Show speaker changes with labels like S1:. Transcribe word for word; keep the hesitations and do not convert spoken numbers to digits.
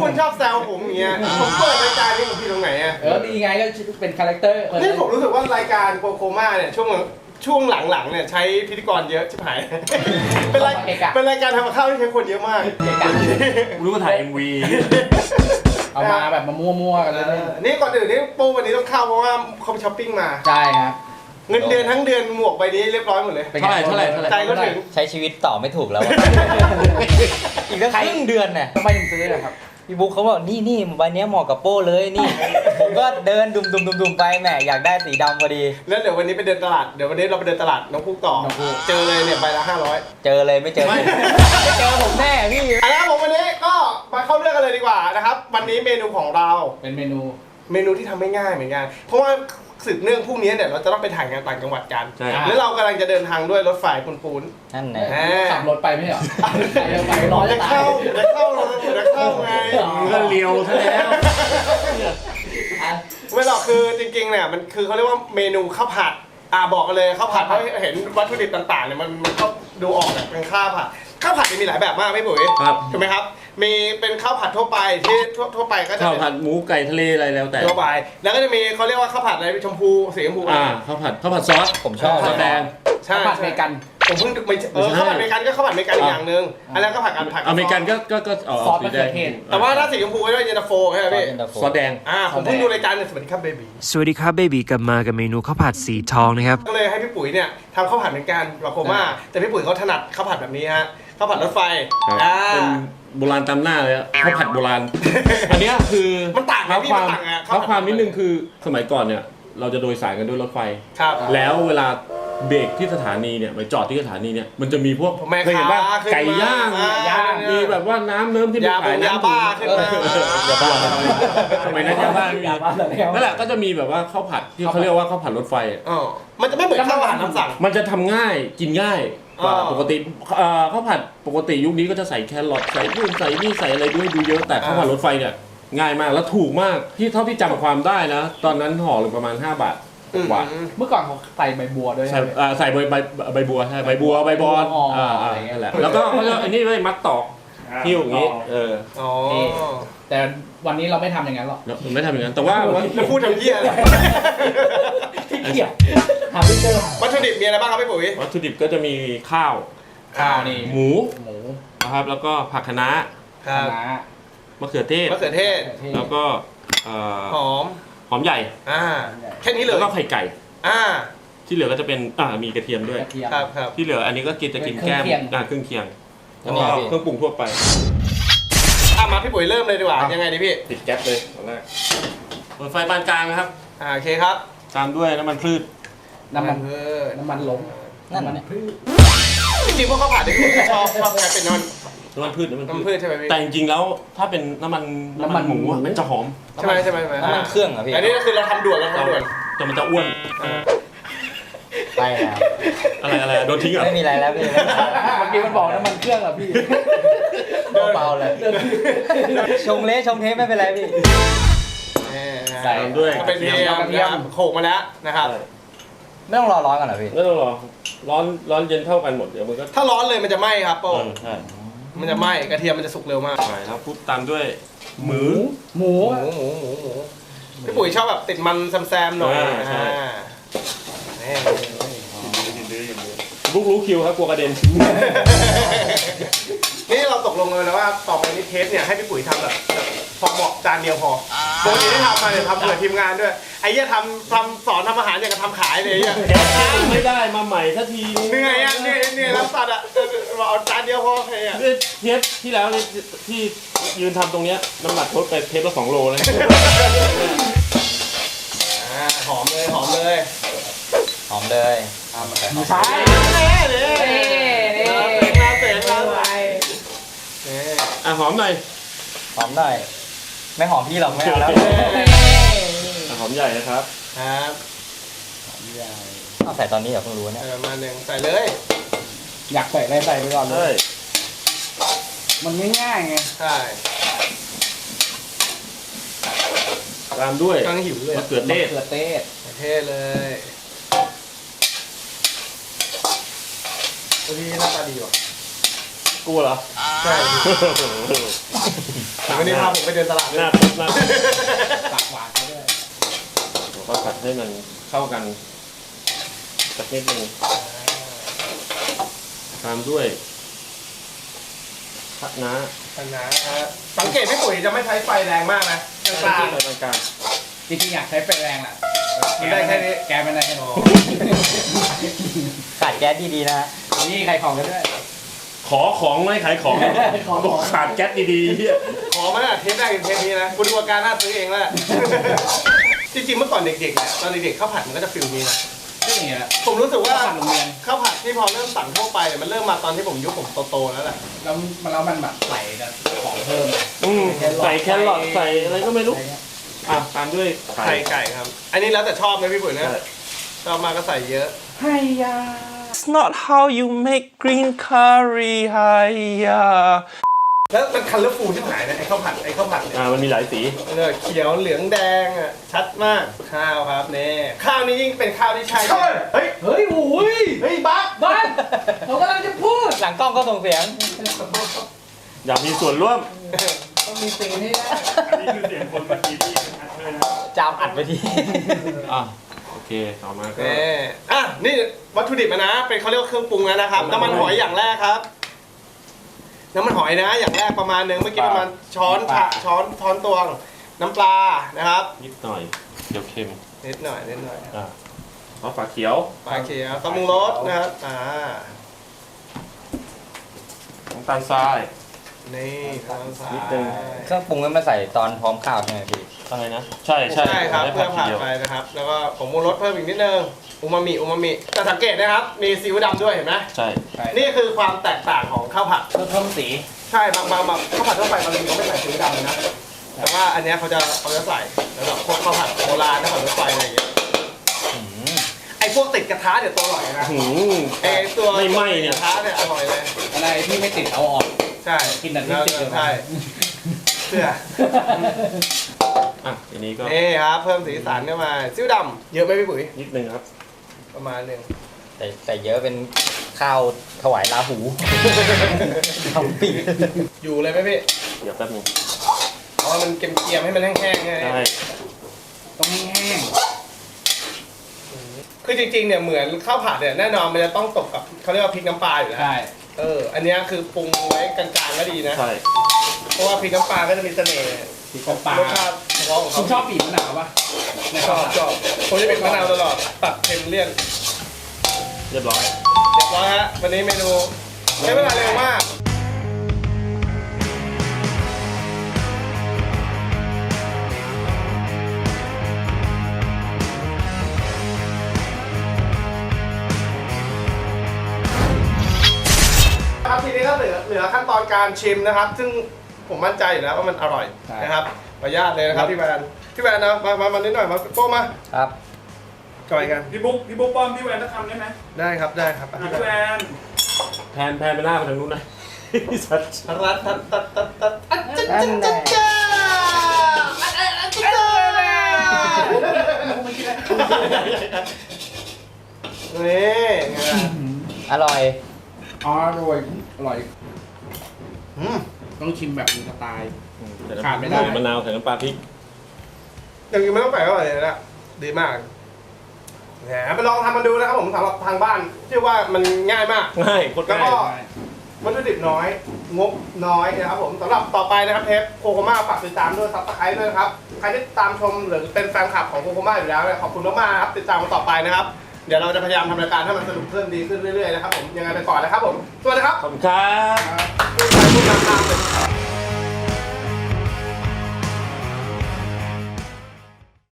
S1: คุณชอบแซวผมอย่างเงี้ยผมเปิดรายการนี้ผมผิดตรงไหนอ่ะ
S2: เออดีไงก็เป็นคาแรคเตอร์
S1: นี่ผมรู้สึกว่ารายการโกโคม่าเนี่ยช่วงช่วงหลังๆเนี่ยใช้พิธีกรเยอะชิบหายเป็นรายเป็นรายการทำกับข้าวที่ใช้คนเยอะมาก
S3: รู้ว่าถ่าย เอ็ม วี
S2: เอามาแบบมามั่วๆกันเลย
S1: นี่ก่อนอื่นนี่โป้วันนี้ต้องเข้าเพราะว่าเขาไปช้อปปิ้งมา
S2: ใช่ครับ
S1: เงินเดือนทั้งเดือนหมวกใบนี้เรียบร้อยหมดเลย
S3: เท่าไหร่เท่าไหร่เท่าไหร่
S1: ใจก็ถึง
S4: ใช้ชีวิตต่อไม่ถูกแล้ว อีกตั้งครึ่งเดือนน่ะ
S2: ทำไมถึงซื้อนะครับ
S4: พี่บุ๊คเขาบอกนี่นี่ใบเนี้ยเหมาะกับโป้เลยนี่ ผมก็เดินดุมดุมดุมดุมไปแหมอยากได้สีดำพอดี
S1: แล้วเดี๋ยววันนี้ไปเดินตลาดเดี๋ยววันนี้เราไปเดินตลาดน้องพุกต่อเจอเลยเนี่ยใบละห้าร้อย
S4: เจอเลยไม่เจอไม่เจอผมแน่พี่
S1: เอาละครับผมวันนี้ก็มาเข้าเรื่องกันเลยดีกว่านะครับวันนี้เมนูของเรา
S2: เป็นเมนู
S1: เมนูที่ทำไม่ง่ายเหมือนกันเพราะว่าสืบเนื่องพรุ่งนี้เนี่ยเราจะต้องไปถ่ายงานต่างจังหวัดกัน
S3: ใช่
S1: แล้วเรากำลังจะเดินทางด้วยรถไฟปูน
S4: นั่นแห
S1: ๆ
S4: ละ
S2: ขับรถไปไม่ใช่เหรอเร็วไปร้อน
S1: จะ
S2: จะตา
S1: เข้าย จะเข้าเลยจะเข้าไง
S3: ก็เลียวซะแล้ว
S1: ไม่หรอกคือจริงๆเนี่ยมันคือเขาเรียกว่าเมนูข้าวผัดอ่าบอกกันเลยข้าวผัดเพราะเห็นวัตถุดิบต่างๆเนี่ยมันมันก็ดูออกแบบเป็นข้าวผัดข้าวผัดเนี่ยมีหลายแบบมากไม่ปุ๋ย
S3: ครับ
S1: ถูกไหมครับมีเป็นข้าวผัดทั่วไปที่ทั่วทั่วไปก็จะ
S3: ข้าว
S1: เป็น
S3: ผัดหมูไก่ทะเลอะไรแล้วแต่
S1: ทั่วไปแล้วก็จะมีเขาเรียกว่าข้าวผัดอะไรชมพูสีชมพู
S3: อ่าข้าวผัดข้าวผัดซอส
S4: ผมชอบ
S3: ซอสแดง
S1: ใช่
S2: ผัดเมกัน
S1: ผมเพิ่งไม่เออข้าวผัดอเมริกันก็ข้าวผัดอเมริกันอีกอย่างหนึ่งอันนั้นก็ผัดกันผัด
S3: อเมริกันก็ก็ก็เอา
S2: ซอส
S3: สี
S2: มะ
S3: แด
S2: เขือง เทศ
S1: แต่ว่าถ้าสีชมพูก็จะเป็นเย็นตาโฟใช่ไหมพี่
S3: ซอสแดง
S1: อ่าผมเพิ่งดูรายการเนี่ยสวัสดีครับเบบี
S5: สวัสดีครับเบบีกลับมากับเมนูข้าวผัดสีทองนะครับ
S1: ก็เลยให้พี่ปุ๋ยเนี่ยทำข้าวผัดเหมือนกันกับโคม่าแต่พี่ปุ๋ยเขาถนัดข้าวผัดแบบนี้ฮะข้าวผัดรถไฟ
S3: ครับ
S1: อ่า
S3: เป็นโบราณตามหน้าเลยอะข้าวผัดโบราณ อันเนี้ยคือ
S1: มันต่างไหม
S3: เท้า
S1: พี่
S3: ค
S1: มั
S3: วาน ม
S1: ต่างอะ
S3: เท้าความนิดนึงคือสมัยก่อนเนี่ยเราจะโดยสารกันด้วยรถไฟ
S1: ครับ
S3: แล้วเวลาเบรกที่สถานีเนี่ยไปจอดที่สถานีเนี่ยมันจะมีพวก
S1: แม่
S3: เคยเห็นป่ะ
S1: ค้าขึ้นมา
S3: ไก่ย่าง
S1: อ่าย่าง
S3: มีแบบว่าน้ำเนิ้มที่
S1: ยาบงยาบ้าขึ้นมา
S3: อย่าบ้าทำไมนะยาบ้าไม่มี
S2: ยาบ้าแล้ว
S3: นั่นแหละก็จะมีแบบว่าข้าวผัดที่เขาเรียกว่าข้าวผัดรถไฟอะ
S1: อ๋อมันจะไม่เหมือนข้าวผัดน้ำสั่ง
S3: มันจะทำง่ายกินง่ายกว่า
S1: อ่า
S3: ปกติเอ่อข้าวผัดปกติยุคนี้ก็จะใส่แครอทใส่นู่นใส่นี่ใส่อะไรด้วยดูเยอะแต่ข้าวผัดรถไฟเนี่ยง่ายมากแล้วถูกมากที่เท่าที่จำความได้นะ ตอนนั้นห่อหนึ่งประมาณห้าบาทกว่า
S1: อืม
S2: เมื่อก่อนเขาใส่ใบบัวด้วย
S3: ใส่อ่าใส่ใบใบใบบัวใช่ใบบัวใบบอน
S2: อ๋ออ่
S3: อ่าอ่า
S2: อะไรเงี้ย
S3: นั่นแหละแล้วก็เขาจะอันนี้ไว้มัดตอกหิ้วอย่างงี้เออ
S1: อ๋อ
S2: แต่วันนี้เราไม่ทำอย่างนั้นหรอก
S3: แล้วไม่ทำอย่างนั้นแต่ว่าว่า
S1: แล้วพูดทำเหี้ยอะไร
S2: ที่เกียจทำไม่เจอ
S1: วัตถุดิบมีอะไรบ้างครับพี่ปุ๋ย
S3: วัตถุดิบก็จะมีข้าว
S2: ข้าวนี่
S3: หมู
S2: หมู
S3: นะครับแล้วก็ผักคะน้า
S1: ครับ
S2: คะน้าม
S3: ะเขือเทศ
S1: มะเขือเทศ
S3: แล้วก็เอ่อ
S1: หอม
S3: หอมใหญ่
S1: อ่าแค่นี้เล
S3: แล้
S1: ยว
S3: ก็ไข่ไก่
S1: อ่า
S3: ที่เหลือก็จะเป็นอ่ามีกระเทียมด้วย
S2: กระเทียม
S1: ครับครับ
S3: ที่เหลืออันนี้ก็กินจะกินแก้ม
S2: เครื่องเคียง
S3: อ่าเครื่องเคียง
S4: อั
S3: แล้ว
S4: น
S3: ก็
S4: นี้พี่
S3: เครื่องปรุงทั่วไป
S1: อ่ะมาพี่ปุ๋ยเริ่มเลยดีกว่ายังไงดีพี่
S3: ติดแก๊สเลยตอนแรกเปิดไฟปานกลางนะครับ
S1: อ่าโอเคครับ
S3: ตามด้วยน้ำมันพืช
S2: น้ำมัน
S1: เออ
S2: น้ำมันหลง
S4: นั่น
S2: ำมั
S4: น่ะ
S2: พืช
S1: จริงๆพวกข้าวผัดเนี่ยชอบชอบใช้เป็นน้ำมัน
S3: น้ำมันพืชน้ำมัน
S1: น้ำมัน
S3: พื
S1: พื
S3: ช
S1: ชใช่ไหมพี่
S3: แต่จริงๆแล้วถ้าเป็นน้ำมันน้ำมันหมูอะมันจะหอม
S1: ใช่ไหมใช่ไหมใช่ไหม
S4: น้ำมันเครื่องเหรอพี่
S1: อันนี้ก็คือเราทำด่วนเราทำด่วน
S3: แต่มันจะอ้วน
S4: ไปแล้ว
S3: อะไรอะไรโดนทิ้งเหรอ
S4: ไม่มีอะไรแล้วพี่
S2: เมื่อกี้มันบอกน้ำมันเครื่องอ่ะพี่
S4: เบาๆเลยชงเละชงเทไม่เป็นไรพี่
S1: ใส่
S3: ตามด้วย
S1: ก็เป็นเทียมนะครับโขกมาแล้วนะครับ
S4: ไม่ต้องรอร้อนกันเหรอพี่
S3: ไม่ต้องรอร้อนร้อนเย็นเท่ากันหมดเดี๋ยวมันก็
S1: ถ้าร้อนเลยมันจะไหม้ครับโป้
S3: เออใช่
S1: มันจะไหม้กระเทียมมันจะสุกเร็วมาก
S3: ใช่แล้วปุ๊บตามด้วยหมู
S2: หมู
S1: หมูหมูหมูหมูพี่ปุ๋ยชอบแบบติดมันแซมๆหน่อย
S3: อ่าใช่
S1: อ่านี่
S3: ลูกรู้คิวครับกลัวกระเด็น
S1: นี่เราตกลงกันแล้วว่าต่อไปนี้เทปเนี่ยให้พี่ปุ๋ยทำแบบแบบพอเหมาะจานเดียวพอปกติที่ทำมาเนี่ยทำเผื่อทีมงานด้วยไอ้เหี้ยทำทำสอนทำอาหารอย่างกับทำขายเลยไอ้เหี้ย
S3: ไม่ได้มาใหม่สักที
S1: เหนื่อยอ่ะเหนื่อยเหนื่อยรับสัตว์อ่ะบอกเอาจานเดียวพอใครอ่ะ
S3: เทปที่แล้วเนี่ยที่ยืนทำตรงเนี้ยน้ำหนักลดไปเทปละสองโลเลย
S1: อ่าหอมเลยหอมเลย
S4: หอมเลย
S2: ไม่ใช่
S1: เน่เน่
S2: นี่นี่
S1: เน่เสียงมาเสียงมาเน่
S3: อ่ะหอมหน่อย
S4: หอมหน่อย ไม่หอมพี่หรอกไม่เอาแล้ว
S3: อ่ะหอมใหญ่นะครับ
S1: ครับ
S4: เอาใส่ตอนนี้เหรอเพิ่งรู้เนี่ย
S1: เออมาหนึ่งใส่เลย
S2: อยากใส่อะไรใส่ไปก่อนเล
S3: ใช่
S2: ย มันง่ายๆไง
S1: ใช่
S3: ตามด้วย
S1: กำลังหิวเลย
S3: มะเขือเทศ
S2: มะเขือเทศ
S1: เท่เลยวันนี้หน้าตาดีว่ะ
S3: กูเหรอ
S1: ใช่วันนี้พาผมไปเดินตลาด
S3: หน้า
S1: ด้วย
S3: หน้า
S2: ตักหวานไปด้วย
S3: เราก็ผัดให้มันเข้ากันสักนิดนึงตามด้วยผักน้า
S1: นะฮะสังเกตพี่ปุ๋ยจะไม่ใช้ไฟแรงมากนะกลาง
S3: ใส่กลาง
S2: จริงๆอยากใช้ไฟแรงแหละ
S1: มันได้แค่นี้
S2: แกไม่ได้แค่นี้
S4: ขาดแก๊สดีๆนะ
S2: นี่ใครของกันด้วย
S3: ๆขอของไม่ขายของ
S2: ขอของ
S3: บอกขาดแก๊สดีๆเหี้ย
S1: ขอมาตั้งแต่เทปแรกถึงเทปนี้นะคุณดูอาการน่าซื้อเองแล้วแหละ จริงๆเมื่อก่อนเด็กๆเนี่ยตอนเด็กๆข้าวผัดมันก็จะฟิลนี้นะ
S2: ก็อย่างเงี้ยแหละ
S1: ผมรู้สึกว่า
S2: ข้าวผัดโรงเรียน
S1: ข้าวผัดที่พอเริ่มสั่งทั่วไปเนี่ยมันเริ่มมาตอนที่ผมยุคผมโตๆแล้วแหละ
S2: แล้วมันแล้วมันแบบใส่แต่ของเพิ่ม
S3: อืมใส่แครอทใส่อะไรก็ไม่รู้
S2: อะไรเงี้ย
S3: อ่ะตามด้วยไข่
S1: ไข่ไก่ครับ อันนี้แล้วแต่ชอบนะพี่ปุ๋ยนะ
S3: ใช่
S1: ชอบมากก็ใส่เยอะ
S2: ให้ยา
S3: It's not how you make green curry ไฮยา
S1: แล้วมันคันเลอร์ฟูลที่หายนะไอ้ข้าวผัดไอ้ข้าวผัดเนี่ย
S3: อ่ามันมีหลายสี
S1: เออเขียวเหลืองแดงอ่ะชัดมากข้าวครับเนี่ยข้าวนี้ยิ่งเป็นข้าวที่ใช่เลยเฮ้ย
S2: เฮ้ยโอ้ย
S1: เฮ้ยบัก
S2: บ้านเรากำลังจะพูด
S4: หลังกล้องก็ส่งเสียง
S3: อยากมีส่วนร่วม
S2: ต้องมีซีนให้ได้
S3: นี่คือเสียงคนเมื่อกี้ที่อัดเลยนะ
S4: จามอัดไปที
S3: อ่ะโอเคต่อมาก็
S1: เน่อ่ะนี่วัตถุดิบอะนะเป็นเขาเรียกว่าเครื่องปรุงแล้วนะครับน้ำมันหอยอย่างแรกครับ น้ำมันหอยนะอย่างแรกประมาณหนึ่งเมื่อกี้ประมาณช้อนชะช้อนช้อนตวงน้ำปลานะครับ
S3: นิดหน่อยเดี๋ยวเค็ม
S1: นิดหน่อยนิดหน่อย
S3: อ่ะเอาฝาเขียว
S1: ปลาเขียวตำมุงรสนะครับอ่า
S3: น้ำตาลทราย
S1: นี่ทางซ้าย
S3: นิดนึง
S4: เครื่องปรุงนั้นมาใส่ตอนพร้อมข้าวใช่ไหมพี่
S3: อะไรนะ ใช่ใช่
S1: ใช่ครับ
S3: ได้
S1: เพื่อ
S3: ที
S1: ผ่าน
S3: เดียว
S1: ไปนะครับ แล้วก็ผงมูรสเพิ่มอีกนิดนึงอูมามิอูมามิแต่สังเกตนะครับมีซีอิ๊วดำด้วยเห็นไหม
S3: ใช่
S1: นี่คือความแตกต่างของข้าวผัด
S2: เพื่อเพิ่มสี
S1: ใช่บางบางแบบข้าวผัดทั่วไปบางทีเขาไม่ใส่ซีอิ๊วดำเลยนะ แต่ว่าอันเนี้ยเขาจะเขาจะใส่แล้วแบบพวกข้าวผัดโบราณข้าวผัดรถไฟอะไรอย่างเงี้ยไอ้พวกติดกระทะเนี่ยตัวอร่อยนะ
S3: หืม
S1: ไอ้ตัว
S3: ไม่ไหม้เนี่ย
S1: กระทะเนี่ยอร่อยเลย
S2: อะไรที่ไม่ติดเอาออก
S1: ใช่
S2: กินแต่ที่ติดอยู่
S1: ใช่เพื่อ
S3: อ่ะทีนี้ก็
S1: นี่ครับเพิ่มสีสันเข้ามาซีอิ๊วดำเยอะไหมพี่ปุ๋ย
S3: นิดนึงครับ
S1: ประมาณหนึ่ง
S4: แต่แต่เยอะเป็นข้าวถวายลาหูทำปี
S1: อยู่เลยไหมพี่
S3: เดี๋ยวแป๊บนึง
S1: เอามันเกรียมๆให้มันแห้งๆไง
S3: ใช่
S2: ต้องแห้ง
S1: คือจริงๆเนี่ยเหมือนข้าวผัดเนี่ยแน่นอนมันจะต้องตกกับเขาเรียกว่าพริกน้ำปลาอยู่แล้ว
S2: ใช่
S1: เอออันเนี้ยคือปรุงไว้กลางๆก็ดีนะ
S3: ใช่
S1: เพราะว่าพริกน้ำปลาก็จะมีเสน่ห์
S2: สีของปลาร
S1: สชาติเฉพาะของ
S2: คุ
S1: เขา
S2: ณชอบปีกมะนาวปะใน
S1: ช
S2: ข้าว
S1: อบ
S2: ผัด
S1: ชอบผมจะเป็นมะนาวตลอดตัดเค็มเลี่ยน
S3: เรียบร้อย
S1: เรียบร้อยฮะวันนี้เมนูใช้เวลาเร็วมากครับทีนี้ก็เหลือเหลือขั้นตอนการชิมนะครับ ซึ่งผมมั่นใจอยู่แล้วว่ามันอร่อยนะครับขออนุญาตเลยนะครับพี่แวนพี่แวนนะมามามานิดหน่อยมาโป้มา
S4: ครับ
S1: จอยกัน
S6: พี่บุ๊กพี่บุ๊กป้อมพี่แวนจะทำได้ไหม
S1: ได้ครับได้ครับ
S6: อ่ะพี่แวน
S3: แพนแพนไปหน้าไปทางนู้นนะ สัตว์
S1: รัดตัดตัดตัดตัดอัจฉริยะจ้าจ้าอัจฉริยะจ้านี่ไงล่ะ
S4: อร่อย
S2: อ๋ออร่อยอร่อย
S1: อืม
S2: ต้องชิมแบบมีสไตล์
S3: ใส่น้ำ
S2: ขาดไม่ได้
S3: มะนาวใส่น้ำปลาพริก
S1: อย่างนี้ไม่ต้องแปลกก็อร่อยเลยนะดีมากแหมไปลองทำมันดูนะครับผมสำหรับทางบ้านเชื่อว่ามันง่ายมาก
S3: ง่ายโคตร
S1: แล้ว
S3: ง่า
S1: ก็
S3: ย
S1: วัตถุดิบน้อย งบน้อยนะครับผมสำหรับต่อไปนะครับเทปโคโคม่าฝากติดตามด้วยซับสไครต์ด้วยนะครับใครที่ตามชมหรือเป็นแฟนคลับของโคโคม่าอยู่แล้วเนี่ยขอบคุณมากๆครับติดตามกันต่อไปนะครับ เดี๋ยวเราจะพยายามทำรายการให้มันสนุกขึ้นดีขึ้นเรื่อยๆนะครับผมยังไงไปก่อนนะครับผมสวัสดีครับ
S3: ขอบคุณครับ
S1: พูดไปพูดมาตามเลย